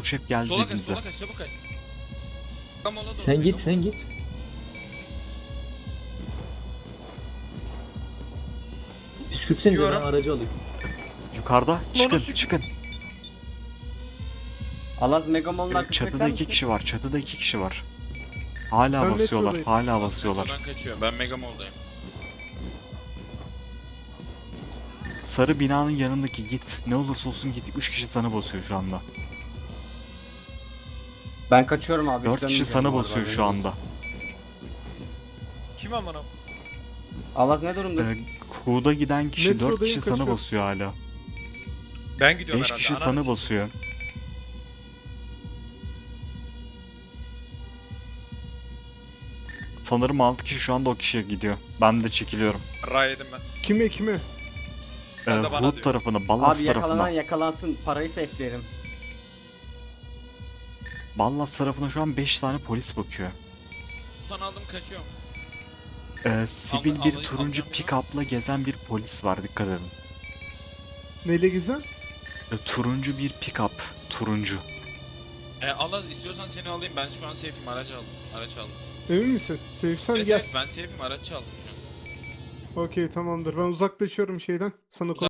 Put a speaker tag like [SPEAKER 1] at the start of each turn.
[SPEAKER 1] şef geldi
[SPEAKER 2] Sola kaç,
[SPEAKER 1] dediğinizde.
[SPEAKER 2] sola kaç, çabuk kaç. Tam ona doğru.
[SPEAKER 3] Sen git, sen git. Püskürtsenize, ben
[SPEAKER 2] Gidiyorum.
[SPEAKER 3] aracı alayım.
[SPEAKER 1] Yukarıda çıkın
[SPEAKER 2] sikeyim.
[SPEAKER 1] çıkın.
[SPEAKER 4] Alaz Megamon'un arkasına
[SPEAKER 1] Çatıda
[SPEAKER 4] sen
[SPEAKER 1] 2
[SPEAKER 4] misin?
[SPEAKER 1] kişi var. Çatıda 2 kişi var. Hala
[SPEAKER 5] Ben
[SPEAKER 1] basıyorlar.
[SPEAKER 5] metrodayım.
[SPEAKER 1] Hala basıyorlar.
[SPEAKER 2] Oradan kaçıyor. Ben Mega Mall'dayım.
[SPEAKER 1] Sarı binanın yanındaki git. Ne olursa olsun git. 3 kişi sana basıyor şu anda.
[SPEAKER 4] Ben kaçıyorum abi.
[SPEAKER 1] 4 kişi
[SPEAKER 4] dönmeyeceğim
[SPEAKER 1] sana
[SPEAKER 4] bu arada,
[SPEAKER 1] basıyor şu
[SPEAKER 4] haberin olsun.
[SPEAKER 1] anda.
[SPEAKER 2] Kim amına?
[SPEAKER 4] Alaz ne durumdasın?
[SPEAKER 1] Kuğu'da giden kişi 4
[SPEAKER 5] Metrodayım,
[SPEAKER 1] kişi sana
[SPEAKER 5] kaçıyorum.
[SPEAKER 1] basıyor hala.
[SPEAKER 2] Ben gidiyorum
[SPEAKER 1] 5
[SPEAKER 2] herhalde.
[SPEAKER 1] kişi sana basıyor. Sanırım 6 kişi şu anda o kişiye gidiyor. Ben de çekiliyorum.
[SPEAKER 2] Ray yedim ben.
[SPEAKER 5] Kime?
[SPEAKER 2] Ben de bana
[SPEAKER 1] Hood
[SPEAKER 2] diyor.
[SPEAKER 1] tarafına, Ballas
[SPEAKER 4] Abi yakalanan
[SPEAKER 1] tarafına.
[SPEAKER 4] yakalansın. Parayı safe'lerim.
[SPEAKER 1] Ballas tarafına şu an 5 tane polis bakıyor.
[SPEAKER 2] Buradan aldım kaçıyorum.
[SPEAKER 1] Sivil bir
[SPEAKER 2] Alacağım
[SPEAKER 1] turuncu
[SPEAKER 2] bunu.
[SPEAKER 1] pick-up'la gezen bir polis var, dikkat edin.
[SPEAKER 5] Neyle gezen?
[SPEAKER 1] Turuncu bir pick-up, turuncu.
[SPEAKER 2] Allah istiyorsan seni alayım. Ben şu an safe'im. Aracı aldım. Araç aldım.
[SPEAKER 5] Emin misin? Sevsen
[SPEAKER 2] Evet,
[SPEAKER 5] gel.
[SPEAKER 2] evet ben safe'im. Araç aldım şu an.
[SPEAKER 5] Okey, tamamdır. Ben uzaklaşıyorum şeyden. Sana